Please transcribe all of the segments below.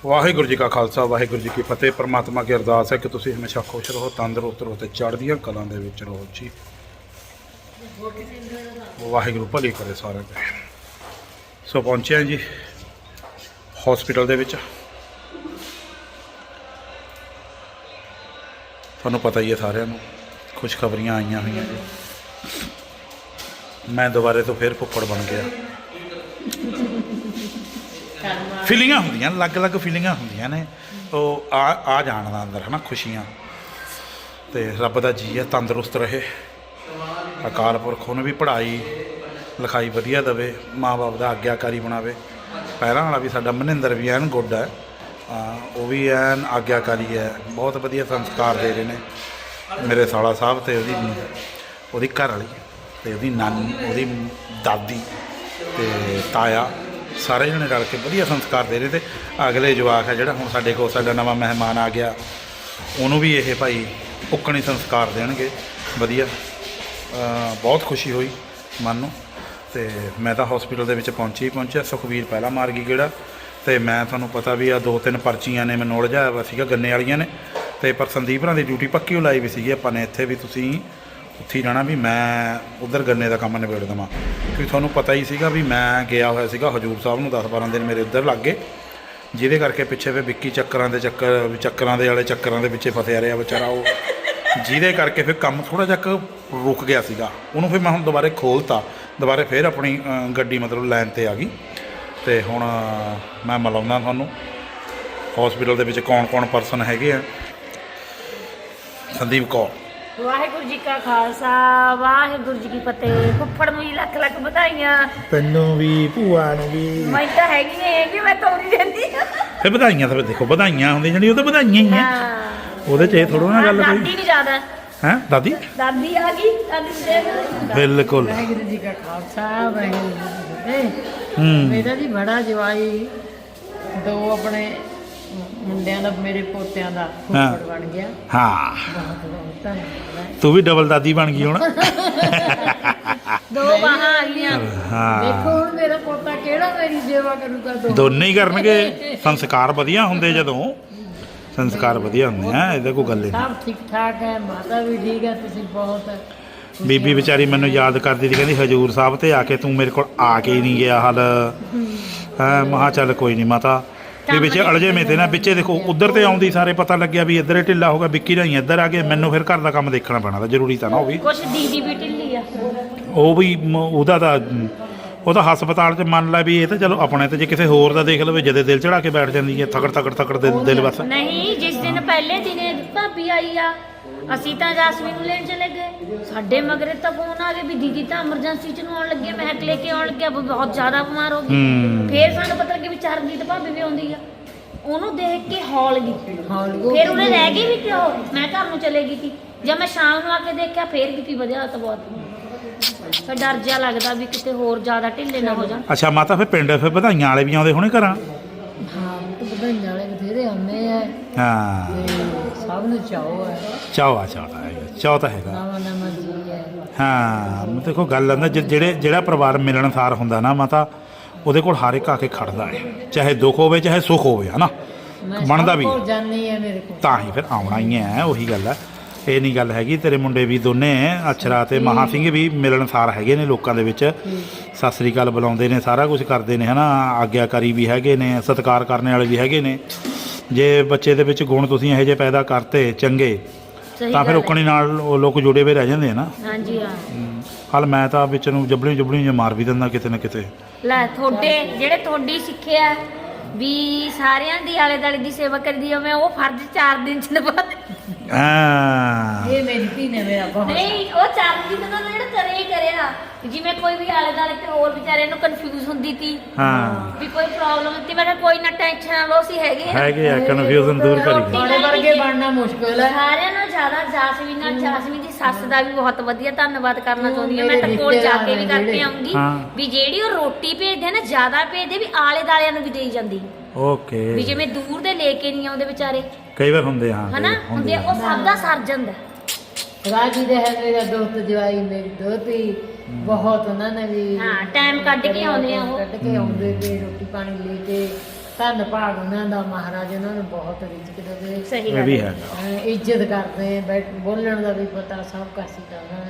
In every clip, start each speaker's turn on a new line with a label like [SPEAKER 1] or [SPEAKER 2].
[SPEAKER 1] ਵਾਹਿਗੁਰੂ ਜੀ ਕਾ ਖਾਲਸਾ ਵਾਹਿਗੁਰੂ ਜੀ ਕੀ ਫਤਿਹ। परमात्मा की अरदास है कि तुसीं हमेशा खुश रहो, तंदुरुस्त रहो, चढ़दियां कलां दे विच रहो जी। वाहिगुरू भली करे सारे दे। सो पहुंचे हैं जी हॉस्पिटल दे विच। तुहानूं पता ही है सारिआं नूं खुशखबरियां आईयां होईयां जी। मैं दोबारे तो फिर फुੱਫੜ बन गया। फीलिंगां होंदियां अलग अलग फीलिंगां होंदियां ने तो आ जाण दा अंदर है ना खुशियां। तो रब दा जी है तंदुरुस्त रहे, अकाल पुरख उन्हें भी पढ़ाई लिखाई वधिया देवे, माँ बाप का आग्याकारी बनावे। पैरां वाला भी साडा मनिंदर भी एन गुड है, वो भी एन आग्याकारी है, बहुत वधिया संस्कार दे रहे हैं मेरे साला साहब ते ओहदी घर वाली ते ओहदी नानी ओहदी दादी ते ताया सारे जने रल के वधिया संस्कार दे रहे थे। अगले जवाक है जिहड़ा हुण साडे कोल साडा नवां मेहमान आ गया, उन्होंने भी ये भाई उकणी संस्कार देणगे वधिया। बहुत खुशी हुई मन नूं। ते मैं तो हॉस्पिटल दे विच पहुंचिया। सुखवीर पहला मार गई गेड़ा, तो मैं तुहानूं पता भी आ 2-3 पर्चियां ने मैं उलझाया वा सीगा गन्ने वालियां ने, तो पर संदीप हरां दी ड्यूटी पक्की लाई भी सीगी आपां ने इत्थे भी तुसीं उत्थे ही रहना भी मैं उधर गन्ने का काम निबेड़ देवां। क्योंकि तुहानूं पता ही सीगा भी मैं गया होया सीगा हजूर साहब नूं 10-12 दिन मेरे उधर लग गए, जिहदे करके पिछे फिर विक्की चक्करां दे चक्करां दे पिछे फसिया रहा बेचारा वो, जिहदे करके फिर काम थोड़ा जिहा रुक गया सीगा। उहनूं फिर मैं हुण दोबारे खोलता, दोबारे फिर अपनी गड्डी मतलब लाइन ते आ गई। तो हुण मैं मिलाउंदा तुहानूं हॉस्पिटल दे विच कौन परसन हैगे आ। संदीप कौर।
[SPEAKER 2] वाहिगुरू जी का खालसा वाहिगुरू जी की फतेह। फुੱਫੜ ਨੂੰ ਲੱਖ ਲੱਖ ਵਧਾਈਆਂ।
[SPEAKER 1] ਤੈਨੂੰ ਵੀ ਭੂਆ ਨੂੰ ਵੀ
[SPEAKER 2] ਮੈਂ ਤਾਂ ਹੈਗੀ ਹੈ ਕਿ ਮੈਂ ਤੋੜੀ ਰਹਿੰਦੀ ਹਾਂ।
[SPEAKER 1] ਫਿਰ ਵਧਾਈਆਂ ਤਾਂ ਦੇਖੋ ਵਧਾਈਆਂ ਹੁੰਦੀਆਂ ਜਿਹੜੀਆਂ ਉਹ ਤਾਂ ਵਧਾਈਆਂ ਹੀ ਆ। ਉਹਦੇ 'ਚ ਇਹ ਥੋੜ੍ਹਾ ਨਾ ਗੱਲ ਕੋਈ।
[SPEAKER 2] ਦਾਦੀ ਨਹੀਂ ਜ਼ਿਆਦਾ
[SPEAKER 1] ਹੈਂ ਦਾਦੀ
[SPEAKER 2] ਆ ਗਈ ਦਾਦੀ ਦੇਖ।
[SPEAKER 1] ਬਿਲਕੁਲ।
[SPEAKER 3] ਵਾਹਿਗੁਰੂ ਜੀ ਕਾ ਖਾਲਸਾ ਵਾਹਿਗੁਰੂ ਜੀ ਕੀ ਫਤਿਹ। ਮੇਰਾ ਜੀ ਬੜਾ ਜਵਾਈ ਦੋ ਆਪਣੇ ਮੁੰਡਿਆਂ ਦਾ ਮੇਰੇ ਪੋਤਿਆਂ ਦਾ ਫੁੱਫੜ ਬਣ ਗਿਆ।
[SPEAKER 1] ਹਾਂ
[SPEAKER 3] ਬਹੁਤ ਬਹੁਤ ਧੰਨਵਾਦ।
[SPEAKER 1] ਤੂੰ ਵੀ ਡਬਲ ਦਾਦੀ ਬਣ ਗਈ ਹੁਣ।
[SPEAKER 2] ਦੋ ਬਾਹਾਂ ਆ ਗਈਆਂ।
[SPEAKER 1] ਹਾਂ
[SPEAKER 3] ਦੇਖੋ ਹੁਣ ਮੇਰਾ ਪੋਤਾ ਕਿਹੜਾ ਮੇਰੀ ਸੇਵਾ ਕਰੂਗਾ।
[SPEAKER 1] ਦੋਨੇ ਹੀ ਕਰਨਗੇ। ਸੰਸਕਾਰ ਵਧੀਆ ਹੁੰਦੇ ਜਦੋਂ ਸੰਸਕਾਰ ਵਧੀਆ ਹੁੰਦੇ ਆ, ਇਹਦਾ ਕੋਈ ਗੱਲ ਨਹੀਂ।
[SPEAKER 3] ਸਭ ਠੀਕ ਠਾਕ ਹੈ, ਮਾਤਾ ਵੀ ਠੀਕ ਹੈ। ਤੁਸੀਂ ਬਹੁਤ
[SPEAKER 1] ਬੀਬੀ ਵਿਚਾਰੀ ਮੈਨੂੰ ਯਾਦ ਕਰਦੀ ਸੀ, ਕਹਿੰਦੀ ਹਜੂਰ ਸਾਹਿਬ ਤੇ ਆ ਕੇ ਤੂੰ ਮੇਰੇ ਕੋਲ ਆ ਕੇ ਹੀ ਨਹੀਂ ਗਿਆ ਹਾਲ। ਮਹਾ ਚੱਲ ਕੋਈ ਨਹੀਂ ਮਾਤਾ ਵੀ ਵਿੱਚ ਅਲਝੇ ਮੇ ਤੇ ਨਾ ਵਿੱਚੇ ਦੇਖੋ ਉਧਰ ਤੇ ਆਉਂਦੀ ਸਾਰੇ ਪਤਾ ਲੱਗਿਆ ਵੀ ਇੱਧਰ ਢਿੱਲਾ ਹੋਗਾ, ਵਿੱਕੀ ਰਾਹੀਂ ਇੱਧਰ ਆ ਗਏ। ਮੈਨੂੰ ਫਿਰ ਘਰ ਦਾ ਕੰਮ ਦੇਖਣਾ ਪੈਣਾ ਤਾਂ ਜ਼ਰੂਰੀ ਤਾਂ ਨਾ ਉਹ ਵੀ
[SPEAKER 2] ਕੁਛ ਦੀਦੀ ਵੀ ਢਿੱਲੀ ਆ।
[SPEAKER 1] ਉਹ ਵੀ ਉਹਦਾ ਤਾਂ ਉਹ ਤਾਂ ਹਸਪਤਾਲ 'ਚ ਮੰਨ ਲਾ ਵੀ ਇਹ ਤਾਂ ਚਲੋ ਆਪਣੇ ਤੇ ਜੇ ਕਿਸੇ ਹੋਰ ਦਾ ਦੇਖ ਲਵੇ ਜਦੇ ਦਿਲ ਚੜਾ ਕੇ ਬੈਠ ਜਾਂਦੀ ਹੈ ਥਕੜ ਦਿਲ ਬਸ।
[SPEAKER 2] ਨਹੀਂ ਜਿਸ ਦਿਨ ਪਹਿਲੇ ਦਿਨੇ ਭਾਬੀ ਆਈ ਆ ਅਸੀਂ ਤਾਂ ਜਾਸਮੀਨ ਨੂੰ ਲੈਣ ਚਲੇ ਗਏ, ਸਾਡੇ ਮਗਰੇ ਤਾਂ ਫੋਨ ਆ ਗਿਆ ਵੀ ਦੀਦੀ ਤਾਂ ਐਮਰਜੈਂਸੀ 'ਚ ਨੂੰ ਆਉਣ ਲੱਗੇ, ਮਹਿਕ ਲੈ ਕੇ ਆਉਣ ਲੱਗਿਆ, ਬਹੁਤ ਜ਼ਿਆਦਾ ਬਿਮਾਰ ਹੋ ਗਈ। ਫਿਰ ਸਾਨੂੰ ਪਤਾ ਲੱਗਿਆ ਵੀ ਚਰਨਜੀਤ ਭਾਬੀ ਵੀ ਆਉਂਦੀ ਆ, ਉਹਨੂੰ ਦੇਖ ਕੇ ਹੌਲ ਗਈ। ਫਿਰ ਉਹਨੇ ਰਹਿ ਗਈ ਵੀ ਕਿਉਂ, ਮੈਂ ਘਰ ਨੂੰ ਚਲੇ ਗਈ ਸੀ। ਜਦ ਮੈਂ ਸ਼ਾਮ ਨੂੰ ਆ ਕੇ ਦੇਖਿਆ ਫੇਰ BP ਵਧਿਆ ਤਾਂ ਬਹੁਤ। ਫਿਰ ਡਰ ਜਿਹਾ ਲੱਗਦਾ ਵੀ ਕਿਤੇ ਹੋਰ ਜ਼ਿਆਦਾ ਢਿੱਲੇ ਨਾ ਹੋ ਜਾਣ।
[SPEAKER 1] ਅੱਛਾ ਮਾਤਾ ਫਿਰ ਪਿੰਡ ਫਿਰ ਵਧਾਈਆਂ ਵਾਲੇ ਵੀ ਆਉਂਦੇ ਹੋਣੇ ਘਰਾਂ।
[SPEAKER 3] ਹਾਂ ਤੇ ਵਧਾਈਆਂ ਵਾਲੇ ਬਥੇਰੇ ਆਉਂਦੇ ਆ।
[SPEAKER 1] ਹਾਂ
[SPEAKER 3] ਤੇ ਸਭ ਨੂੰ ਚਾਹੋ ਹੈ,
[SPEAKER 1] ਚਾਹ ਤਾਂ ਹੈਗਾ।
[SPEAKER 3] ਨਵਾਂ ਜੀ ਹੈ।
[SPEAKER 1] ਹਾਂ ਦੇਖੋ ਗੱਲ ਆਂਦਾ ਜਿਹੜਾ ਪਰਿਵਾਰ ਮਿਲਣਸਾਰ ਹੁੰਦਾ ਨਾ ਮਾਤਾ, ਉਹਦੇ ਕੋਲ ਹਰ ਇੱਕ ਆ ਕੇ ਖੜਦਾ ਹੈ, ਚਾਹੇ ਦੁੱਖ ਹੋਵੇ ਚਾਹੇ ਸੁੱਖ ਹੋਵੇ, ਹੈ ਨਾ। ਬਣਦਾ ਵੀ
[SPEAKER 3] ਜਾਨੀ ਹੈ ਮੇਰੇ ਕੋਲ
[SPEAKER 1] ਤਾਂ ਹੀ ਫਿਰ ਆਉਣਾ ਹੀ ਹੈ। ਉਹੀ ਗੱਲ ਹੈ, ਇਹ ਨਹੀਂ ਗੱਲ ਹੈਗੀ। ਤੇਰੇ ਮੁੰਡੇ ਵੀ ਦੋਨੇ ਅਛਰਾ ਤੇ ਮਹਾ ਸਿੰਘ ਵੀ ਮਿਲਣਸਾਰ ਹੈਗੇ ਨੇ ਲੋਕਾਂ ਦੇ ਵਿੱਚ, ਸਤਿ ਸ੍ਰੀ ਅਕਾਲ ਬੁਲਾਉਂਦੇ ਨੇ, ਸਾਰਾ ਕੁਝ ਕਰਦੇ ਨੇ, ਹੈ ਨਾ। ਆਗਿਆਕਾਰੀ ਵੀ ਹੈਗੇ ਨੇ, ਸਤਿਕਾਰ ਕਰਨ ਵਾਲੇ ਵੀ ਹੈਗੇ ਨੇ। ਜੇ ਬੱਚੇ ਦੇ ਵਿੱਚ ਗੁਣ ਤੁਸੀਂ ਇਹੋ ਜਿਹੇ ਪੈਦਾ ਕਰਤੇ ਚੰਗੇ ਤਾਂ ਫਿਰ ਉਕਣੀ ਨਾਲ ਉਹ ਲੋਕ ਜੁੜੇ ਹੋਏ ਰਹਿ ਜਾਂਦੇ ਆ ਨਾ।
[SPEAKER 2] ਹਾਂਜੀ ਹਾਂ।
[SPEAKER 1] ਹਾਲ ਮੈਂ ਤਾਂ ਵਿੱਚ ਨੂੰ ਜਬੜੀ ਮਾਰ ਵੀ ਦਿੰਦਾ ਕਿਤੇ ਨਾ ਕਿਤੇ।
[SPEAKER 2] ਲੈ ਤੁਹਾਡੀ ਸਿੱਖਿਆ ਵੀ ਸਾਰਿਆਂ ਦੀ ਆਲੇ ਦੁਆਲੇ ਦੀ ਸੇਵਾ ਕਰਦੀ ਆ, ਮੈਂ ਉਹ ਫਰਜ਼ 4 ਦਿਨ ਚ ਨਿਭਾ।
[SPEAKER 3] ਇਹ ਮੇਰੀ ਧੀ ਨੇ ਮੇਰਾ ਬਹੁਤ
[SPEAKER 2] ਨਹੀਂ ਉਹ 4 ਦਿਨ ਦਾ ਜਿਹੜਾ ਕਰਿਆ ਜਿਵੇਂ ਕੋਈ ਵੀ ਆਲੇ ਦੁਆਲੇ ਤੇ ਹੋਰ ਵਿਚਾਰੇ ਨੂੰ ਕਨਫਿਊਜ਼ ਹੁੰਦੀ ਸੀ ਵੀ ਕੋਈ ਪ੍ਰੋਬਲਮ ਹੁੰਦੀ, ਮੈਂ ਕਿਹਾ ਕੋਈ ਨਾ ਟੈਨਸ਼ਨ ਨਾ ਲਓ, ਅਸੀਂ ਹੈਗੇ
[SPEAKER 1] ਆ ਕਨਫਿਊਜ਼ਨ ਦੂਰ ਕਰੀਏ।
[SPEAKER 3] ਤੁਹਾਡੇ ਵਰਗੇ ਬਣਨਾ ਮੁਸ਼ਕਿਲ ਹੈ।
[SPEAKER 2] ਸਾਰਿਆਂ ਨਾਲੋਂ ਜ਼ਿਆਦਾ ਜਾਸਮੀਨ ਦੀ ਸੱਸ ਦਾ ਵੀ ਬਹੁਤ ਵਧੀਆ ਧੰਨਵਾਦ ਕਰਨਾ ਚਾਹੁੰਦੀ ਹਾਂ। ਮੈਂ ਤਾਂ ਕੋਲ ਜਾ ਕੇ ਵੀ ਕਰਕੇ ਆਉਂਗੀ ਵੀ ਜਿਹੜੀ ਉਹ ਰੋਟੀ ਭੇਜਦੇ ਨਾ ਜ਼ਿਆਦਾ ਭੇਜਦੇ ਵੀ ਆਲੇ ਦਾਲਿਆਂ ਨੂੰ ਵੀ ਦੇਈ ਜਾਂਦੀ।
[SPEAKER 1] ਓਕੇ
[SPEAKER 2] ਵੀ ਜਿਵੇਂ ਦੂਰ ਦੇ ਲੈ ਕੇ ਨਹੀਂ ਆਉਂਦੇ ਵਿਚਾਰੇ,
[SPEAKER 1] ਕਈ ਵਾਰ ਹੁੰਦੇ
[SPEAKER 2] ਹਨਾ ਹੁੰਦੇ, ਉਹ ਸਭ ਦਾ ਸਰ ਜਾਂਦਾ।
[SPEAKER 3] ਰਾਜੀ ਦੇ ਹੈ ਮੇਰਾ ਦੋਸਤ ਜਵਾਈ, ਮੇਰੀ ਦੋਤੀ ਬਹੁਤ ਉਹਨਾਂ ਨੇ ਵੀ
[SPEAKER 2] ਟਾਈਮ ਕੱਢ ਕੇ ਆਉਂਦੇ ਆ, ਉਹ
[SPEAKER 3] ਕੱਢ ਕੇ ਆਉਂਦੇ ਤੇ ਰੋਟੀ ਪਾਣੀ ਲੈ ਕੇ ਧੰਨ ਭਾਗ ਉਹਨਾਂ ਦਾ, ਮਹਾਰਾਜ ਉਹਨਾਂ ਨੂੰ ਬਹੁਤ ਰਿਜ਼ਕ ਦੇਵੇ।
[SPEAKER 2] ਸਹੀ
[SPEAKER 1] ਇਹ
[SPEAKER 2] ਗੱਲ
[SPEAKER 1] ਵੀ
[SPEAKER 2] ਹੈ।
[SPEAKER 1] ਹੈਗਾ।
[SPEAKER 3] ਇੱਜ਼ਤ ਕਰਦੇ ਬੋਲਣ ਦਾ ਵੀ ਪਤਾ, ਸਭ ਕਾਸੀ ਦਾ ਉਹਨਾਂ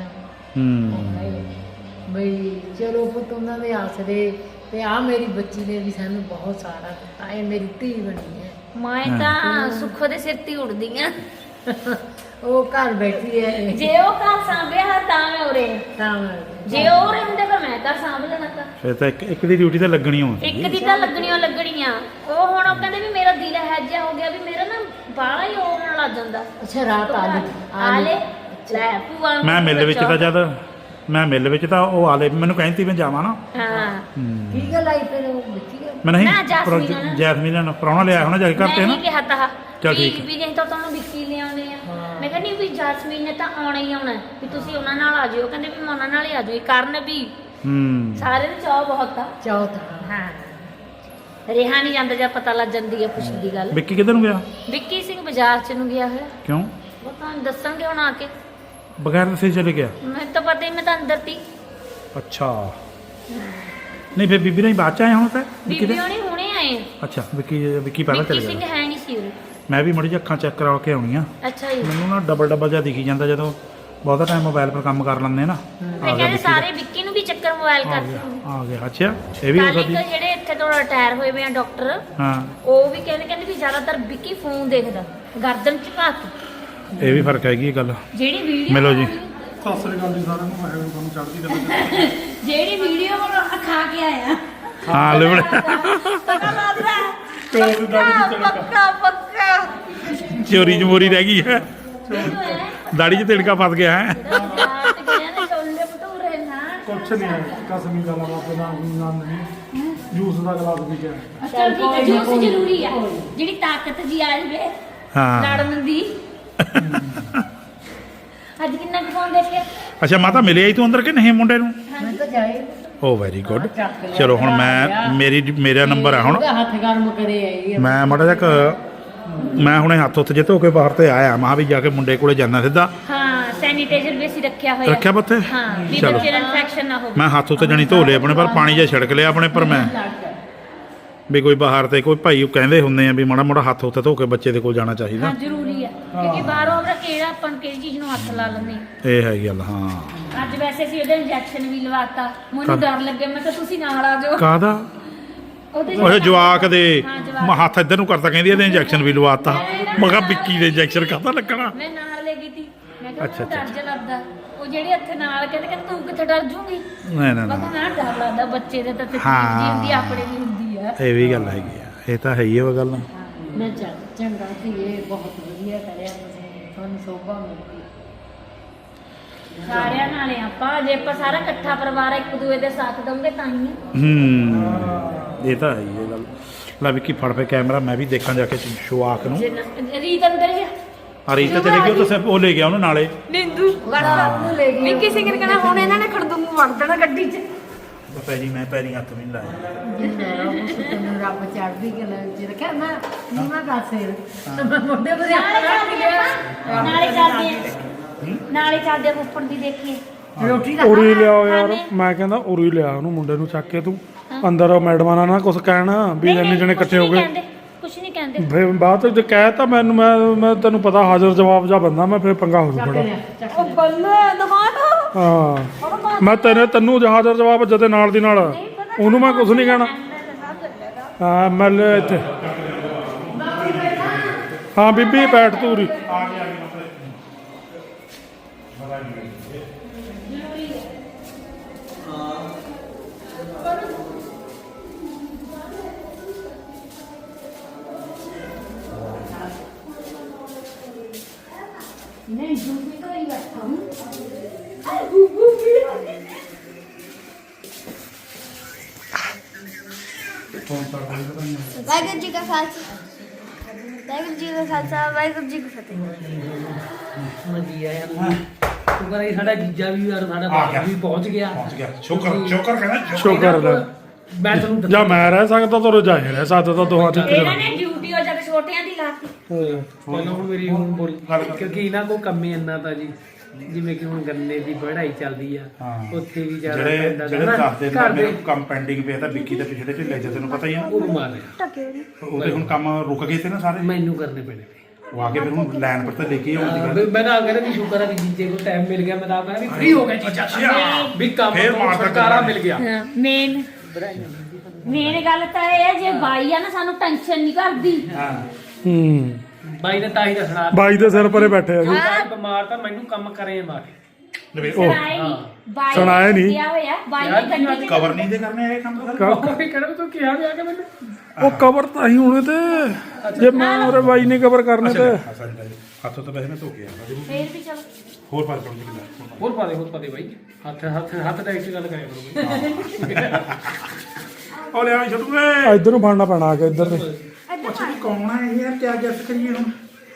[SPEAKER 3] ਨੇ ਬਈ ਚਲੋ ਪੁੱਤ ਉਹਨਾਂ ਦੇ ਆਸਰੇ ਤੇ ਆ ਮੇਰੀ ਬੱਚੀ ਨੇ ਵੀ ਸਾਨੂੰ ਬਹੁਤ ਸਾਰਾ ਦਿੱਤਾ, ਇਹ ਮੇਰੀ ਧੀ ਬਣੀ ਹੈ।
[SPEAKER 2] ਮੈਂ ਤਾਂ ਸੁੱਖੋ ਦੇ ਸਿਰ ਤੇ ਉੱਡਦੀ ਆ।
[SPEAKER 3] ਉਹ ਘਰ ਬੈਠੀ ਹੈ
[SPEAKER 2] ਜੇ ਉਹ ਘਰ ਸਾਂਭਿਆ ਤਾਂ ਮੈਂ ਉਰੇ,
[SPEAKER 3] ਤਾਂ
[SPEAKER 2] ਜੇ ਉਹ ਉਰੇ ਹੁੰਦੇ ਫਿਰ ਮੈਂ ਘਰ ਸਾਂਭ ਲੈਣਾ ਤਾਂ।
[SPEAKER 1] ਫਿਰ ਤਾਂ ਇੱਕ ਦੀ ਡਿਊਟੀ ਤਾਂ ਲੱਗਣੀ ਹੋਣੀ।
[SPEAKER 2] ਇੱਕ ਦੀ ਤਾਂ ਲੱਗਣੀਆਂ ਉਹ ਹੁਣ ਉਹ ਕਹਿੰਦੇ ਵੀ ਮੇਰਾ ਦਿਲ ਹੈਜਿਆ ਹੋ ਗਿਆ, ਵੀ ਮੇਰਾ ਨਾ ਬਾਹਲਾ ਹੀ ਹੋਣ ਲੱਗ ਜਾਂਦਾ।
[SPEAKER 3] ਅੱਛਾ ਰਾਤ
[SPEAKER 2] ਆ ਲੈ ਲੈ ਭੂਆ ਨੂੰ
[SPEAKER 1] ਮੈਂ ਮਿਲ ਵਿੱਚ ਤਾਂ ਜਦ ਮੈਂ ਮਿਲ ਵਿੱਚ ਤਾਂ ਉਹ ਆਲੇ ਮੈਨੂੰ ਕਹਿੰਦੀ ਮੈਂ ਜਾਵਾਂ ਨਾ।
[SPEAKER 2] ਹਾਂ
[SPEAKER 3] ਕੀ ਗੱਲ ਆਈ ਫਿਰ ਉਹ ਬੱਚੀ ਗੱਲ?
[SPEAKER 1] ਮੈਂ ਨਹੀਂ
[SPEAKER 2] ਨਾ, ਜੈਸਮੀਨ ਨਾਲ।
[SPEAKER 1] ਜੈਸਮੀਨ ਨਾਲ ਪ੍ਰਾਹੁਣਾ ਲਿਆ ਹੋਣਾ ਜਾ ਕੇ ਘਰ ਤੇ
[SPEAKER 2] ਮੈਂ
[SPEAKER 1] ਨਾ।
[SPEAKER 2] ਨਹੀਂ ਕਿਹਾ ਤਾਂ
[SPEAKER 1] ਚੱਲ ਠੀਕ
[SPEAKER 2] ਵੀ ਜੇ ਤਾਂ ਤੁਹਾਨੂੰ ਵਿੱਕੀ ਲਿਆਉਣੇ ਆ। ਮੈਂ ਕਹਿੰਦੀ ਵੀ ਜੈਸਮੀਨ ਨੇ ਤਾਂ ਆਉਣਾ ਹੀ ਆਉਣਾ ਵੀ ਤੁਸੀਂ ਉਹਨਾਂ ਨਾਲ ਆ ਜਿਓ। ਕਹਿੰਦੇ ਵੀ ਮੈਂ ਉਹਨਾਂ ਨਾਲ ਹੀ ਆ ਜਾਊਂ। ਕਰਨ ਵੀ ਸਾਰੇ ਦੇ ਚਾਹ ਬਹੁਤ ਆ।
[SPEAKER 3] ਚੌਥਾ
[SPEAKER 2] ਹਾਂ ਰਿਹਾ ਨਹੀਂ ਜਾਂਦਾ ਜਦ ਪਤਾ ਲੱਗ ਜਾਂਦੀ ਹੈ ਖੁਸ਼ੀ ਦੀ ਗੱਲ।
[SPEAKER 1] ਵਿੱਕੀ ਕਿੱਧਰ ਨੂੰ ਗਿਆ?
[SPEAKER 2] ਵਿੱਕੀ ਸਿੰਘ ਬਾਜ਼ਾਰ ਚ ਨੂੰ ਗਿਆ ਹੋਇਆ,
[SPEAKER 1] ਕਿਉਂ?
[SPEAKER 2] ਉਹ ਤੁਹਾਨੂੰ ਦੱਸਣਗੇ ਹੁਣ ਆ ਕੇ।
[SPEAKER 1] ਬਗੈਰ ਦੱਸੇ ਚਲੇ ਗਿਆ?
[SPEAKER 2] ਮੈਨੂੰ ਤਾਂ ਪਤਾ ਹੀ, ਮੈਂ ਤਾਂ ਅੰਦਰ ਤੀ।
[SPEAKER 1] ਅੱਛਾ ਨਹੀਂ ਫਿਰ ਬੀਬੀ ਨਹੀਂ ਬਾਅਦ ਚ ਆਇਆ ਹੁਣ ਤਾਂ ਵਿੱਕੀ
[SPEAKER 2] ਬੀਬੀ
[SPEAKER 1] ਦੇ?
[SPEAKER 2] ਹੋਣੀ ਹੁਣੇ ਆਏ ਆ।
[SPEAKER 1] ਅੱਛਾ ਵਿੱਕੀ ਪਹਿਲਾਂ
[SPEAKER 2] ਵਿੱਕੀ
[SPEAKER 1] ਚਲੇ
[SPEAKER 2] ਸਿੰਘ
[SPEAKER 1] ਗਿਆ।
[SPEAKER 2] ਹੈ ਨਹੀਂ ਸੀ ਉਰੇ।
[SPEAKER 1] ਮੈਂ ਵੀ ਮੜੀ ਜਿਹੀ ਅੱਖਾਂ ਚੈੱਕ ਕਰਾ ਕੇ ਆਉਣੀ ਆ।
[SPEAKER 2] ਅੱਛਾ ਜੀ।
[SPEAKER 1] ਮੈਨੂੰ ਨਾ ਡਬਲ ਜਿਹਾ ਦਿਖੀ ਜਾਂਦਾ ਜਦੋਂ ਬਹੁਤਾ ਟਾਈਮ ਮੋਬਾਈਲ 'ਤੇ ਕੰਮ ਕਰ ਲੈਂਦੇ ਨਾ।
[SPEAKER 2] ਤੇ
[SPEAKER 1] ਆ ਗਿਆ
[SPEAKER 2] ਕਹਿੰਦੇ
[SPEAKER 1] ਵਿੱਕੀ
[SPEAKER 2] ਸਾਰੇ ਵਿੱਕੀ ਨੂੰ ਵੀ ਚੱਕਰ ਮੋਬਾਈਲ
[SPEAKER 1] ਆ
[SPEAKER 2] ਕਰਦੇ
[SPEAKER 1] ਗਿਆ ਆ ਗਿਆ। ਅੱਛਾ ਇਹ ਵੀ ਹੋ
[SPEAKER 2] ਕੱਲ
[SPEAKER 1] ਸਕਦੀ।
[SPEAKER 2] ਇੱਕ ਜਿਹੜੇ ਇੱਥੇ ਤੋਂ ਰਿਟਾਇਰ ਹੋਏ ਵੇ ਆ ਡਾਕਟਰ,
[SPEAKER 1] ਹਾਂ
[SPEAKER 2] ਉਹ ਵੀ ਕਹਿੰਦੇ ਵੀ ਜ਼ਿਆਦਾਤਰ ਵਿੱਕੀ ਫੋਨ ਦੇਖਦਾ ਗਰਦਨ ਚ ਪਾ ਕੇ।
[SPEAKER 1] ਇਹ ਵੀ ਫਰਕ ਹੈਗੀ ਇਹ ਗੱਲ।
[SPEAKER 2] ਜਿਹੜੀ ਵੀਡੀਓ
[SPEAKER 1] ਮਿਲੋ ਜੀ।
[SPEAKER 4] ਸਤਿ ਸ੍ਰੀ ਅਕਾਲ ਜੀ ਸਾਰਿਆਂ ਨੂੰ, ਮੈਂ ਤੁਹਾਨੂੰ ਚੜ੍ਹਦੀ ਕਲਾ।
[SPEAKER 2] ਜਿਹੜੀ ਵੀਡੀਓ ਉਹ ਖਾ ਕੇ ਆਇਆ
[SPEAKER 1] ਹਾਂ ਲੈ ਬੜੇ
[SPEAKER 2] ਪਤਾ ਲੱਗਦਾ ਪੱਕਾ ਪੱਕਾ
[SPEAKER 1] ਚੋਰੀ ਜਮੋਰੀ ਰਹਿ ਗਈ ਹੈ। ਦਾੜੀ 'ਚ ਤਿੜਕਾ ਫਸ ਗਿਆ ਹੈ।
[SPEAKER 2] ਛੋਲੇ ਭਟੂਰੇ ਨਾ
[SPEAKER 4] ਕੁਛ ਨਹੀਂ ਹੈ, ਕਸਮੀ ਗੱਲ ਆ, ਬਾਬੇ ਦਾ ਨਾਮ ਨਹੀਂ। ਜੂਸ ਦਾ ਗਲਾਸ ਵੀ ਗਿਆ।
[SPEAKER 2] ਚਲ ਠੀਕ ਹੈ, ਜੂਸ ਜ਼ਰੂਰੀ ਆ, ਜਿਹੜੀ ਤਾਕਤ ਜੀ ਆ ਜਵੇ
[SPEAKER 1] ਹਾਂ
[SPEAKER 2] ਲੜਨ ਦੀ। ਅੱਜ ਕਿੰਨਾ ਕੁ ਫੋਨ ਦੇਖਿਆ?
[SPEAKER 1] ਅੱਛਾ ਮਾਤਾ ਮਿਲਿਆ ਹੀ ਤੂੰ ਅੰਦਰ ਕਿ ਨਹੀਂ ਮੁੰਡੇ ਨੂੰ?
[SPEAKER 3] ਮੈਂ ਤਾਂ ਜਾਏ
[SPEAKER 1] ਓ ਵੈਰੀ ਗੁੱਡ। ਚਲੋ ਹੁਣ ਮੇਰਾ ਨੰਬਰ ਆ ਹੁਣ।
[SPEAKER 3] ਉਹਦਾ ਹੱਥ ਗਰਮ ਕਰੇ ਆਈ
[SPEAKER 1] ਮੈਂ ਮਾੜਾ ਜਿਹਾ ਮੈਂ ਹੁਣੇ ਹੱਥ ਉੱਤੇ ਜੇ ਧੋ ਕੇ ਬਾਹਰ ਤੇ ਆਇਆ ਮਾਂ ਵੀ ਜਾ ਕੇ ਮੁੰਡੇ ਕੋਲੇ ਜਾਣਾ ਸਿੱਧਾ।
[SPEAKER 2] ਹਾਂ ਸੈਨੀਟਾਈਜ਼ਰ ਵੀ ਅਸੀਂ ਰੱਖਿਆ ਹੋਇਆ।
[SPEAKER 1] ਰੱਖਿਆ ਬੱਤੇ?
[SPEAKER 2] ਹਾਂ ਵੀ
[SPEAKER 1] ਚਲੋ।
[SPEAKER 2] ਬੱਚੇ ਨੂੰ ਇਨਫੈਕਸ਼ਨ ਨਾ ਹੋਵੇ।
[SPEAKER 1] ਮੈਂ ਹੱਥ ਉੱਤੇ ਜਣੀ ਧੋ ਲਏ ਆਪਣੇ ਪਰ ਪਾਣੀ ਜਿਹਾ ਛਿੜਕ ਲਿਆ ਆਪਣੇ ਪਰ ਮੈਂ ਵੀ ਕੋਈ ਬਾਹਰ ਤੇ ਕੋਈ ਭਾਈ ਕਹਿੰਦੇ ਹੁੰਦੇ ਆ ਵੀ ਮਾੜਾ ਮੋੜਾ ਹੱਥ ਉੱਤੇ ਧੋ ਕੇ ਬੱਚੇ ਦੇ ਕੋਲ ਜਾਣਾ ਚਾਹੀਦਾ।
[SPEAKER 2] ਹਾਂ ਜ਼ਰੂਰੀ ਆ, ਕਿਉਂਕਿ ਬਾਹਰੋਂ ਆਪਣਾ ਕਿਹੜਾ ਆਪਾਂ ਨੂੰ ਕਿਹੜੀ ਚੀਜ਼ ਨੂੰ ਹੱਥ ਲਾ ਲੈਂਦੇ ਆ।
[SPEAKER 1] ਇਹ ਹੈਗੀ ਗੱਲ। ਹਾਂ
[SPEAKER 2] ਅੱਜ ਵੈਸੇ ਸੀ ਉਹਦਾ ਇੰਜੈਕਸ਼ਨ ਵੀ ਲਵਾਤਾ, ਮੈਨੂੰ ਡਰ ਲੱਗਿਆ, ਮੈਂ ਕਿਹਾ ਤੁਸੀਂ ਨਾਲ ਆ ਜਾਓ।
[SPEAKER 1] ਕਾਹਦਾ?
[SPEAKER 2] ਉਹਦੇ
[SPEAKER 1] ਉਹ ਜਵਾਕ ਦੇ
[SPEAKER 2] ਹਾਂ, ਜਵਾਕ।
[SPEAKER 1] ਮੈਂ ਹੱਥ ਇੱਧਰ ਨੂੰ ਕਰਤਾ ਕਹਿੰਦੀ ਇਹਦੇ ਇੰਜੈਕਸ਼ਨ ਵੀ ਲਵਾਤਾ। ਮੈਂ ਕਿਹਾ ਵਿੱਕੀ ਦੇ ਇੰਜੈਕਸ਼ਨ ਕਾਹਦਾ ਲੱਗਣਾ?
[SPEAKER 2] ਮੈਂ ਨਾਲ ਲੈ ਗਈ ਤੀ, ਮੈਂ ਕਿਹਾ
[SPEAKER 1] ਅੱਛਾ,
[SPEAKER 2] ਮੈਨੂੰ ਡਰ ਜਿਹਾ ਲੱਗਦਾ। ਉਹ ਜਿਹੜੇ ਇੱਥੇ ਨਾਲ ਕਹਿੰਦੇ ਤੂੰ ਕਿੱਥੇ ਡਰ ਜੂਗੀ?
[SPEAKER 1] ਨਹੀਂ ਨਹੀਂ
[SPEAKER 2] ਮੈਂ
[SPEAKER 1] ਨਹੀਂ
[SPEAKER 2] ਕਿਹਾ ਡਰ ਲੱਗਦਾ, ਬੱਚੇ ਦੇ ਤਾਂ ਤਕਲੀਫ
[SPEAKER 1] ਹਾਂ।
[SPEAKER 2] ਜੀ ਹੁੰਦੀ ਆ, ਆਪਣੇ ਵੀ ਹੁੰਦੀ ਆ।
[SPEAKER 1] ਇਹ ਵੀ ਗੱਲ ਹੈਗੀ ਆ, ਇਹ ਤਾਂ ਹੈ ਹੀ ਉਹ ਗੱਲ।
[SPEAKER 3] ਮੈਂ ਚੰਗਾ ਸੀ, ਇਹ ਬਹੁਤ ਵਧੀਆ ਕਰਿਆ ਤੁਸੀਂ, ਤੁਹਾਨੂੰ ਸੋਭਾ ਮਿਲਦੀ।
[SPEAKER 2] ਸਾਰਿਆਂ ਨਾਲੇ ਆਪਾਂ ਜੇ ਆਪਾਂ ਸਾਰਾ ਇਕੱਠਾ ਪਰਿਵਾਰ ਇੱਕ ਦੂਏ ਦੇ ਸਾਥ ਦਵਾਂਗੇ ਤਾਂ ਹੀ ਆ।
[SPEAKER 1] ਇਹ ਤਾਂ ਹੈ ਹੀ ਇਹ ਗੱਲ। ਲੈ ਵਿੱਕੀ ਫੜ ਪਏ ਕੈਮਰਾ, ਮੈਂ ਵੀ ਦੇਖਾਂ ਜਾ ਕੇ ਸ਼ੁਆਕ ਨੂੰ।
[SPEAKER 2] ਰੀਤ ਅੰਦਰ ਜਾ
[SPEAKER 1] ਅਰੇ ਤਾਂ ਚਲੇ ਗਈ, ਉਹ ਤਾਂ ਉਹ ਲੈ ਗਿਆ ਉਹਨੂੰ ਨਾਲੇ।
[SPEAKER 2] ਨਿੰਦੂ ਵਰਤਾ ਨੂੰ ਲੈ ਗਈ। ਵਿੱਕੀ ਸਿੰਘ ਨੇ ਕਹਿਣਾ ਹੁਣ ਇਹਨਾਂ ਨੇ ਖੜਦੂੰਗੂ ਵੜ ਦੇਣਾ ਗੱਡੀ 'ਚ।
[SPEAKER 1] ਮੈਂ ਪੈਰੀ ਹੱਥ ਵੀ ਨਹੀਂ ਲਾਇਆ।
[SPEAKER 3] ਤੈਨੂੰ ਰੱਬ ਚੜ੍ਹਦੀ ਕਲਾ ਵਿੱਚ ਰੱਖਿਆ। ਮੈਂ ਨੀਵਾਂ ਕਾਸੇ ਮੈਂ ਮੁੰਡੇ ਬਰੇ
[SPEAKER 2] ਨਾਲੇ ਚੱਲਦੇ ਆ ਫੁੱਫੜ ਦੀ ਦੇਖੀਏ।
[SPEAKER 3] ਰੋਟੀ ਦਾ
[SPEAKER 4] ਉਰੀ ਲਿਆਓ ਯਾਰ,
[SPEAKER 2] ਖਾਣੇ।
[SPEAKER 4] ਮੈਂ ਕਹਿੰਦਾ ਉਰੀ ਲਿਆ ਉਹਨੂੰ, ਮੁੰਡੇ ਨੂੰ ਚੱਕ ਕੇ ਤੂੰ ਅੰਦਰ ਮੈਡਮਾਂ ਨਾਲ ਨਾ ਕੁਝ ਕਹਿਣਾ ਵੀ ਇੰਨੇ ਜਣੇ ਇਕੱਠੇ ਹੋ ਗਏ।
[SPEAKER 2] ਕੁਛ ਨਹੀਂ ਕਹਿੰਦੇ।
[SPEAKER 4] ਫਿਰ ਬਾਅਦ ਚ ਕਹਿ ਤਾ ਮੈਨੂੰ, ਮੈਂ ਤੈਨੂੰ ਪਤਾ ਹਾਜ਼ਰ ਜਵਾਬ ਜਾ ਬੰਦਾ ਮੈਂ, ਫਿਰ ਪੰਗਾ ਹੋ ਜੂ ਬੜਾ।
[SPEAKER 2] ਉਹ ਬੱਲੇ ਦਮਾਨ
[SPEAKER 4] ਹਾਂ ਮੈਂ ਤੈਨੂੰ ਹਾਜ਼ਰ ਜਵਾਬ ਜਦੇ ਨਾਲ ਦੀ ਨਾਲ, ਉਹਨੂੰ ਮੈਂ ਕੁਝ ਨਹੀਂ ਕਹਿਣਾ। ਹਾਂ ਮੈਂ ਇੱਥੇ ਹਾਂ ਬੀਬੀ ਬੈਠ ਤੂੰ ਉਰੀ।
[SPEAKER 2] ਨਹੀਂ ਜੂਪੀ ਤੋਂ ਹੀ ਬੈਠਾ ਹੂੰ। ਅਰੇ ਬੂਬੂ ਵੀ
[SPEAKER 5] ਵਾਹਿਗੁਰੂ ਜੀ ਕਾ ਖਾਲਸਾ ਵਾਹਿਗੁਰੂ ਜੀ ਕਾ ਖਾਲਸਾ ਵਾਹਿਗੁਰੂ ਜੀ ਕੀ ਫਤਿਹ।
[SPEAKER 6] ਵਧੀਆ ਯਾਰ ਤੂੰ ਕਹਿੰਦਾ ਸਾਡਾ ਜੀਜਾ ਵੀ ਯਾਰ ਸਾਡਾ ਬਾਪ ਵੀ ਪਹੁੰਚ ਗਿਆ।
[SPEAKER 1] ਸ਼ੁਕਰ ਕਹਿੰਦਾ
[SPEAKER 4] ਸ਼ੁਕਰ ਲੈ।
[SPEAKER 6] ਮੈਂ ਤੈਨੂੰ
[SPEAKER 4] ਜਾਂ ਮੈਂ ਰਹਿ ਸਕਦਾ ਤਾਂ ਰਜਾਏ ਰਹਿ ਸਕਦਾ ਤਾਂ ਦੋਹਾਂ ਚ ਇੱਕ
[SPEAKER 2] ਇਹਨਾਂ
[SPEAKER 4] ਜਣਾ।
[SPEAKER 2] ਨੇ ਡਿਊਟੀ ਹੋ ਜਦ ਛੋਟਿਆਂ ਦੀ ਲਾਤੀ।
[SPEAKER 6] ਪਹਿਲਾਂ ਹੁਣ ਮੇਰੀ ਹੁਣ ਬੋਲ ਕਿਉਂਕਿ ਇਹਨਾਂ ਕੋ ਕੰਮ ਹੀ ਇੰਨਾ ਤਾਂ ਜੀ ਜਿਵੇਂ ਕਿ ਹੁਣ ਗੰਨੇ ਦੀ ਵਢਾਈ ਚੱਲਦੀ ਆ
[SPEAKER 1] ਹਾਂ।
[SPEAKER 6] ਉੱਥੇ ਵੀ ਜ਼ਿਆਦਾ
[SPEAKER 1] ਜਿਹੜੇ
[SPEAKER 6] ਪੈਂਦਾ
[SPEAKER 1] ਜਿਹੜੇ
[SPEAKER 6] ਨਾ,
[SPEAKER 1] ਦੱਸਦੇ ਨੇ
[SPEAKER 6] ਘਰ ਦੇ
[SPEAKER 1] ਮੇਰੇ ਕੰਮ ਪੈਂਡਿੰਗ ਪਿਆ ਤਾਂ ਵਿੱਕੀ ਦੇ ਪਿਛਲੇ ਢਿੱਲੇ ਚ ਤੈਨੂੰ ਪਤਾ ਹੀ ਆ
[SPEAKER 6] ਉਹ ਬਿਮਾਰ ਹੈ
[SPEAKER 1] ਉਹਦੇ ਹੁਣ ਕੰਮ ਰੁਕ ਗਏ ਤੇ ਨਾ ਸਾਰੇ
[SPEAKER 6] ਮੈਨੂੰ ਕਰਨੇ ਪੈਣੇ ਪਏ
[SPEAKER 1] ਉਹ ਆ ਕੇ ਫਿਰ ਹੁਣ ਲਾਈਨ ਪਰ ਤਾਂ ਲੈ ਕੇ ਆਉਂਦੀ ਗੱਲ
[SPEAKER 6] ਮੈਂ ਤਾਂ ਕਹਿੰਦਾ ਵੀ ਸ਼ੁਕਰ ਆ ਵੀ ਜੀਜੇ ਕੋਲ ਟਾਈਮ ਮਿਲ ਗਿਆ ਮੈਂ ਤਾਂ ਕਹਿੰਦਾ ਵੀ ਫ੍ਰੀ ਹੋ ਗਿਆ ਜੀਜਾ ਵੀ ਕੰਮ
[SPEAKER 1] ਫੇਰ
[SPEAKER 6] ਤੋਂ
[SPEAKER 1] ਮਾਰਦਾ
[SPEAKER 6] ਛੁਟਕਾਰਾ
[SPEAKER 1] ਗੱਲਾਂ।
[SPEAKER 6] ਮਿਲ ਗਿਆ
[SPEAKER 2] ਮੇਨ ਗੱਲ ਤਾਂ ਇਹ ਹੈ ਜੇ ਬਾਈ ਆ ਨਾ ਸਾਨੂੰ ਟੈਨਸ਼ਨ ਨਹੀਂ ਕਰਦੀ
[SPEAKER 1] ਹਾਂ
[SPEAKER 4] ਹੂੰ
[SPEAKER 6] ਬਾਈ ਨੇ ਤਾਂ ਹੀ ਦੱਸਣਾ
[SPEAKER 4] ਬਾਈ ਦੇ ਸਿਰ ਪਰੇ ਬੈਠੇ ਆ ਜੀ
[SPEAKER 6] ਬਾਈ ਬਿਮਾਰ ਤਾਂ ਮੈਨੂੰ ਕੰਮ ਕਰੇ ਮਾਰ
[SPEAKER 2] ਸੁਣਾਏ ਨਹੀਂ ਬਾਈ
[SPEAKER 4] ਸੁਣਾਇਆ ਨੀ।
[SPEAKER 2] ਕਿਹਾ ਹੋਇਆ ਬਾਈ
[SPEAKER 6] ਯਾਰ,
[SPEAKER 2] ਨੇ ਗੱਡੀ ਚ
[SPEAKER 1] ਕਵਰ ਨਹੀਂ ਦੇ ਕਰਨੇ ਇਹ ਕੰਮ ਸਾਰੇ
[SPEAKER 6] ਕੋਈ ਕਹਿੰਦਾ ਤੂੰ ਕਿਹਾ ਵੀ ਆ ਕੇ ਮੈਨੂੰ
[SPEAKER 4] ਉਹ ਕਵਰ ਤਾਂ ਹੀ ਹੋਣੇ ਤੇ ਜੇ ਮੈਂ ਉਹਰੇ ਬਾਈ ਨੇ ਕਵਰ ਕਰਨੇ ਤੇ
[SPEAKER 1] ਹੱਥੋਂ ਤਾਂ ਵੈਸੇ ਮੈਂ ਧੋ ਕੇ ਆਇਆ
[SPEAKER 2] ਫੇਰ ਵੀ ਚਲੋ
[SPEAKER 1] ਹੋਰ ਪਾ ਪਾ ਕੇ
[SPEAKER 6] ਹੋਰ ਪਾ ਦੇ ਬਾਈ ਹੱਥ ਟੈਕਸ ਗੱਲ ਕਰਿਆ ਕਰੋ
[SPEAKER 1] ਉਹ ਲੈ ਆ ਛੱਡੂ ਏ
[SPEAKER 4] ਇੱਧਰ ਨੂੰ ਫੜਨਾ ਪੈਣਾ ਆ ਕੇ ਇੱਧਰ ਤੇ
[SPEAKER 1] ਅੱਛਾ ਵੀ ਕੌਣ ਹੈ ਇਹ ਯਾਰ ਕਿਆ ਗੈਸ ਕਰੀਏ ਹੁਣ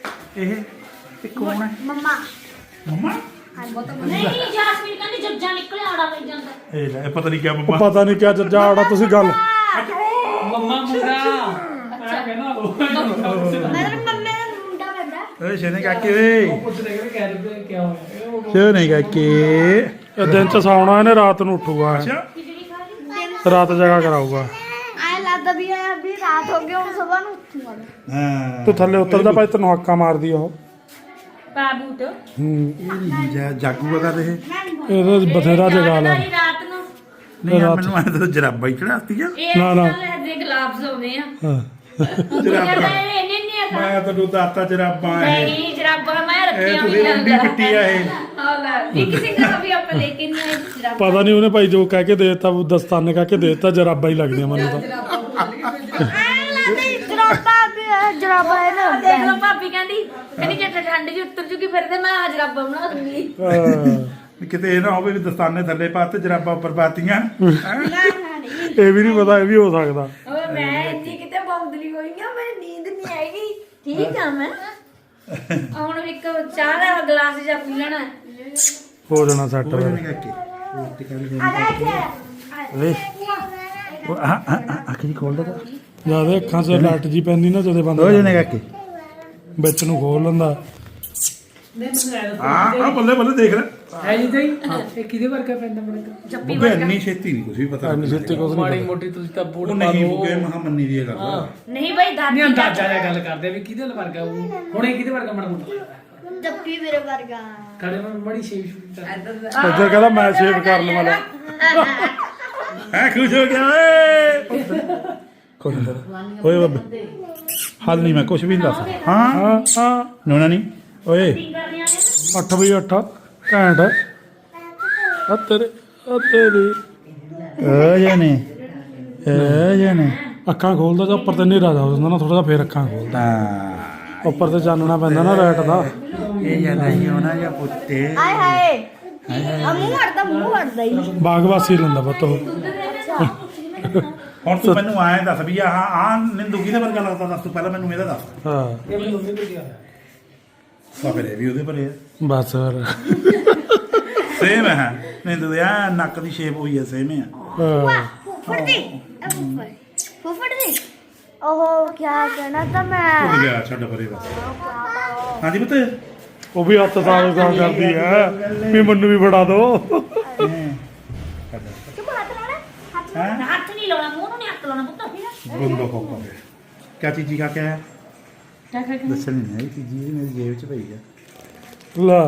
[SPEAKER 1] ਇਹ ਕੌਣ ਹੈ
[SPEAKER 5] ਮੰਮਾ
[SPEAKER 1] ਮੰਮਾ
[SPEAKER 2] ਨਹੀਂ ਜਾਸਮੀਨ ਕਹਿੰਦੀ ਜੱਜਾ ਨਿਕਲਿਆ ਆੜਾ ਲੈ ਜਾਂਦਾ
[SPEAKER 1] ਇਹ ਲੈ ਇਹ ਪਤਾ ਨਹੀਂ ਕਿਆ
[SPEAKER 4] ਉਹ
[SPEAKER 1] ਮੰਮਾ
[SPEAKER 4] ਪਤਾ ਨਹੀਂ ਕਿਆ ਜੱਜਾ ਆੜਾ ਤੁਸੀਂ ਗੱਲ
[SPEAKER 6] ਮੰਮਾ ਮੁੰਡਾ ਮੈਂ ਕਹਿੰਦਾ
[SPEAKER 5] ਮੇਰੇ ਮੰਮੇ ਦਾ ਮੁੰਡਾ ਬੰਦਾ
[SPEAKER 1] ਓਏ ਸ਼ੇਨੇ ਕਾਕੇ ਓਏ
[SPEAKER 6] ਪੁੱਛ ਰਹੇ ਕਿ ਕਹਿ ਰਹੇ ਕੀ ਹੋਇਆ
[SPEAKER 1] ਸ਼ੇਨੇ ਕਾਕੇ
[SPEAKER 4] ਇਹ ਦਿਨ ਚ ਸੌਣਾ ਇਹਨੇ ਰਾਤ ਨੂੰ ਉੱਠੂਗਾ ਇਹ।
[SPEAKER 1] ਅੱਛਾ
[SPEAKER 4] ਰਾਤ ਜਗਾ ਕਰਾਊਗਾ
[SPEAKER 5] ਆਏ ਲੱਗਦਾ ਵੀ ਹੈ ਵੀ ਰਾਤ ਹੋ ਗਈ ਹੁਣ ਸਵੇਰ ਨੂੰ ਉੱਠੂਗਾ
[SPEAKER 1] ਹਾਂ
[SPEAKER 4] ਤੂੰ ਥੱਲੇ ਉਤਰਦਾ ਭਾਈ ਤੈਨੂੰ ਹੱਕਾ ਮਾਰਦੀ ਉਹ
[SPEAKER 2] ਬਾਬੂਟ
[SPEAKER 4] ਹੂੰ
[SPEAKER 1] ਇਹ ਨਹੀਂ ਜਾਗੂਗਾ ਕਰ ਰਹੇ
[SPEAKER 4] ਇਹਦਾ ਬਥੇਰਾ ਜਗਾ ਲੈ
[SPEAKER 2] ਰਾਤ ਨੂੰ
[SPEAKER 1] ਨਹੀਂ ਯਾਰ ਮੈਨੂੰ ਐਂ ਤਾਂ ਜਰਾਬਾਂ ਹੀ ਚੜਾਤੀ ਆ
[SPEAKER 2] ਇਹ
[SPEAKER 4] ਨਾ, ਨਾ।
[SPEAKER 2] ਨਾਲ ਦੇ ਗਲਾਬਸ ਆਉਂਦੇ ਆ
[SPEAKER 4] ਹਾਂ
[SPEAKER 1] ਜਰਾਬਾਂ
[SPEAKER 2] ਇਹਨੇ ਨਹੀਂ ਹੈਗਾ
[SPEAKER 1] ਮੈਂ ਤੈਨੂੰ ਦਾਤਾ ਜਰਾਬਾਂ ਇਹ
[SPEAKER 2] ਨਹੀਂ ਜਰਾਬਾਂ ਮੈਂ
[SPEAKER 1] ਇਹ
[SPEAKER 2] ਰੱਖੀਆਂ
[SPEAKER 1] ਤੁਸੀਂ ਲੰਬੀ ਪਿੱਟੀ ਆ ਇਹ
[SPEAKER 2] ਹਾਂ ਲੈ ਵੀ ਕਿਸੇ ਦਾ ਵੀ ਆਪਾਂ ਲੈ ਕੇ ਨਹੀਂ ਆਏ ਜਰਾਬਾਂ
[SPEAKER 4] ਪਤਾ ਨਹੀਂ ਉਹਨੇ ਭਾਈ ਜੋ ਕਹਿ ਕੇ ਦੇਤਾ ਉਹ ਦਸਤਾਨੇ ਕਹਿ ਕੇ ਦੇਤਾ ਜਰਾਬਾਂ ਹੀ ਲੱਗਦੀਆਂ ਮੈਨੂੰ ਤਾਂ
[SPEAKER 5] ਆਏ ਲੱਗਦਾ ਜਰਾਬਾ ਵੀ ਹੈ ਜਰਾਬਾ ਹੈ ਨਾ
[SPEAKER 2] ਦੇਖ ਲਓ ਭਾਬੀ ਕਹਿੰਦੀ ਜੇ ਠੰਡ ਜੀ ਉੱਤਰ ਜੂਗੀ ਫਿਰ ਤੇ ਮੈਂ ਜਰਾਬਾਂ ਬਣਾ ਦੂੰਗੀ
[SPEAKER 1] ਵੀ ਕਿਤੇ ਇਹ ਨਾ ਹੋਵੇ ਵੀ ਦਸਤਾਨੇ ਥੱਲੇ ਪਾਤੇ ਜਰਾਬਾਂ ਉੱਪਰ ਪਾਤੀਆਂ ਹੈਂ?
[SPEAKER 4] ਇਹ ਵੀ ਨਹੀਂ ਪਤਾ ਇਹ ਵੀ ਹੋ ਸਕਦਾ
[SPEAKER 2] ਓਏ ਮੈਂ ਇੰਨੀ ਕਿਤੇ ਬੌਂਦਲੀ ਹੋਈ ਆ ਮੈਨੂੰ ਨੀਂਦ ਨਹੀਂ ਆਏਗੀ ਠੀਕ ਆ ਮੈਂ ਹੁਣ ਇੱਕ ਚਾਹ ਦਾ ਗਲਾਸ ਜਾਂ ਪੀ ਲੈਣਾ
[SPEAKER 4] ਹੋ ਜਾਣਾ ਸੈੱਟ
[SPEAKER 1] ਉਹ ਨਹੀਂ ਕਾਕੇ ਰੋਟੀ ਖਾਣੀ
[SPEAKER 5] ਆਏ
[SPEAKER 1] ਉਹ ਅੱਖੀ ਖੋਲ ਦੇ
[SPEAKER 4] ਜਿਆਦਾ ਅੱਖਾਂ 'ਚ ਲਾਈਟ ਜੀ ਪੈਂਦੀ ਨਾ ਜਦੇ ਬੰਦ
[SPEAKER 1] ਹੋ ਜਾਣੇ ਕਾਕੇ
[SPEAKER 4] ਵਿੱਚ ਨੂੰ ਖੋਲ ਲੈਂਦਾ
[SPEAKER 1] ਹਾਂ ਬੱਲੇ ਬੱਲੇ ਦੇਖ ਲੈ
[SPEAKER 6] ਹੈ ਜੀ ਤਾਈ ਇਹ ਕਿਹਦੇ ਵਰਗਾ ਪੈਂਦਾ ਮੈਨੂੰ
[SPEAKER 1] ਬੁੱਗੇ ਇੰਨੀ ਛੇਤੀ ਨਹੀਂ ਕੁਝ ਵੀ ਪਤਾ
[SPEAKER 4] ਇੰਨੀ ਛੇਤੀ ਕੁਛ ਨੀ
[SPEAKER 6] ਮਾੜੀ ਮੋਟੀ ਤੁਸੀਂ ਤਾਂ ਬੂਟ
[SPEAKER 1] ਉਹ
[SPEAKER 6] ਪਾ
[SPEAKER 1] ਨਹੀਂ
[SPEAKER 6] ਲਓ
[SPEAKER 1] ਬੁੱਗੇ ਮਹਾ ਮੰਨੀ ਦੀ ਇਹ ਗੱਲ
[SPEAKER 2] ਨਹੀਂ ਬਈ ਦਾਦੀ
[SPEAKER 6] ਨਹੀਂ ਅੰਦਾਜ਼ਾ ਜਿਹਾ ਗੱਲ ਕਰਦੇ ਆ ਵੀ ਕਿਹਦੇ ਵਰਗਾ ਉਹ ਹੁਣ ਇਹ ਕਿਹਦੇ ਵਰਗਾ ਮਾੜਾ ਮੋਟਾ
[SPEAKER 5] ਜੱਪੀ ਮੇਰੇ ਵਰਗਾ
[SPEAKER 6] ਕੜੇ ਮੈਂ ਬੜੀ ਸ਼ੇਪ ਸ਼ੂਟ
[SPEAKER 4] ਇੱਧਰ ਕਹਿੰਦਾ ਮੈਂ ਸੇਵ ਕਰ ਲਵਾਂ ਲੈ
[SPEAKER 1] ਹੈ ਖੁਸ਼ ਹੋ ਗਿਆ ਓਏ ਖੁਸ਼ ਹੋ ਓਏ ਬੱਬੇ ਹਾਲ ਨਹੀਂ ਮੈਂ ਕੁਝ ਵੀ ਨਹੀਂ ਦੱਸ ਹਾਂ
[SPEAKER 4] ਹਾਂ ਹਾਂ
[SPEAKER 1] ਨੋਣਾ ਨਹੀਂ ਓਏ
[SPEAKER 4] 8 ਵਜੇ 8 ਘੈਂਟ ਆ ਤੇਰੇ
[SPEAKER 1] ਓ ਜਾਨੇ
[SPEAKER 4] ਅੱਖਾਂ ਖੋਲਦਾ ਜਾਂ ਉੱਪਰ ਤੇ ਹਨੇਰਾ ਜਾ ਜਾਂਦਾ ਨਾ ਥੋੜਾ ਜਿਹਾ ਫੇਰ ਅੱਖਾਂ ਖੋਲਦਾ
[SPEAKER 1] ਹਾਂ
[SPEAKER 4] ਉੱਪਰ ਤੇ ਚਾਨਣਾ ਪੈਂਦਾ ਨਾ ਲਾਈਟ ਦਾ
[SPEAKER 1] ਇਹ ਜਾਂਦਾ ਹੀ ਹੋਣਾ ਜਾਂ ਪੁੱਤੇ
[SPEAKER 5] ਆਏ ਹਾਏ ਆ ਮੂੰਹ ਹਟਦਾ ਹੀ
[SPEAKER 4] ਬਾਗਵਾਸੀ ਲੈਂਦਾ ਪੁੱਤ ਉਹ
[SPEAKER 1] ਹੁਣ ਤੂੰ ਮੈਨੂੰ ਆਏ ਦੱਸ ਵੀ ਆਹ ਨਿੰਦੂ ਕਿਹਦੇ ਵਰਗਾ ਲੱਗਦਾ ਦੱਸ ਤੂੰ ਪਹਿਲਾਂ ਮੈਨੂੰ ਇਹਦਾ ਦੱਸ
[SPEAKER 4] ਹਾਂ
[SPEAKER 6] ਇਹ ਆਪਣੀ ਮੰਮੀ ਕੋਲ ਗਿਆ
[SPEAKER 1] ਫਿਰ ਇਹ ਵੀ ਉਹਦੇ ਭਰੇ ਆ
[SPEAKER 4] ਬਸ ਫਿਰ
[SPEAKER 1] ਸੇਮ ਹੈ ਨਿੰਦੂ ਦੇ ਆ ਨੱਕ ਦੀ ਸ਼ੇਪ ਹੋਈ ਹੈ ਸੇਮ ਹੈ
[SPEAKER 4] ਹਾਂ।
[SPEAKER 5] ਫੁੱਫੜ ਦੀ ਫੁੱਫੜ ਦੀ ਉਹ ਕੀ ਕਹਿਣਾ ਤਾਂ ਮੈਂ
[SPEAKER 1] ਭੁੱਲ ਗਿਆ ਛੱਡ ਪਰੇ ਬਸ ਹਾਂਜੀ ਪੁੱਤ
[SPEAKER 4] ਉਹ ਵੀ ਹੱਥ ਸਾਲ ਦਾ ਕਰਦੀ ਹੈ ਵੀ ਮੈਨੂੰ ਵੀ ਫੜਾ ਦੋ
[SPEAKER 5] ਤੂੰ ਹੱਥ ਲਾਣਾ ਹੱਥ
[SPEAKER 2] ਹੱਥ ਨਹੀਂ ਲਾਉਣਾ ਮੂੰਹ ਨੂੰ ਨਹੀਂ ਹੱਥ ਲਾਉਣਾ ਪੁੱਤ
[SPEAKER 1] ਗੁੰਦੋ ਕੋਕਾ ਕਿਆ ਚੀਜ਼ੀ ਕਾ ਕਿਆ ਹੈ ਦੱਸਣ ਨਹੀਂ ਆਈ ਚੀਜ਼ੀ ਇਹ ਮੇਰੀ ਜੇਬ ਚ ਪਈ ਆ
[SPEAKER 4] ਲਾ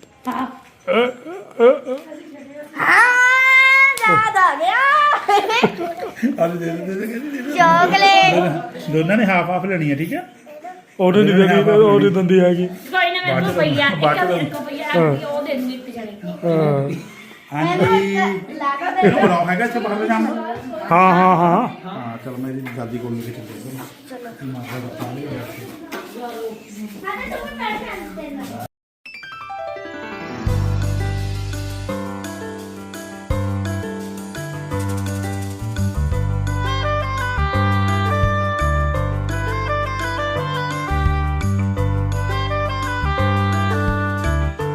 [SPEAKER 5] ਹਾਂ ਯਾਦ ਆ ਗਿਆ
[SPEAKER 1] ਅਰੇ ਦੇ
[SPEAKER 5] ਚਾਕਲੇਟ
[SPEAKER 1] ਦੋਨਾਂ ਨੇ ਹਾਫ ਲੈਣੀ ਹੈ ਠੀਕ ਹੈ
[SPEAKER 4] ਉਹਨੇ ਨਹੀਂ ਦਿੰਦੀ ਉਹ ਨਹੀਂ ਦਿੰਦੀ ਹੈਗੀ
[SPEAKER 2] ਕੋਈ ਨਾ ਮੇਰੇ ਕੋਲ ਪਈਆ
[SPEAKER 1] ਬਾਅਦ ਚ
[SPEAKER 2] ਇੱਕ ਪਈਆ ਉਹ ਦੇ ਦੂੰਗੀ ਇੱਕ ਜਣੇ
[SPEAKER 4] ਹਾਂ
[SPEAKER 1] ਹਾਂਜੀ
[SPEAKER 5] ਲਾਗਾ
[SPEAKER 1] ਇਹਨੂੰ ਬਣਾਓ ਹੈਗਾ ਇੱਥੇ ਬਾਹਰ ਜਾਣਾ
[SPEAKER 4] ਹਾਂ ਹਾਂ ਹਾਂ
[SPEAKER 1] ਹਾਂ ਚਲ ਮੇਰੀ ਦਾਦੀ ਕੋਲ ਲੈ ਕੇ ਚੱਲਦੇ
[SPEAKER 5] ਚਲੋ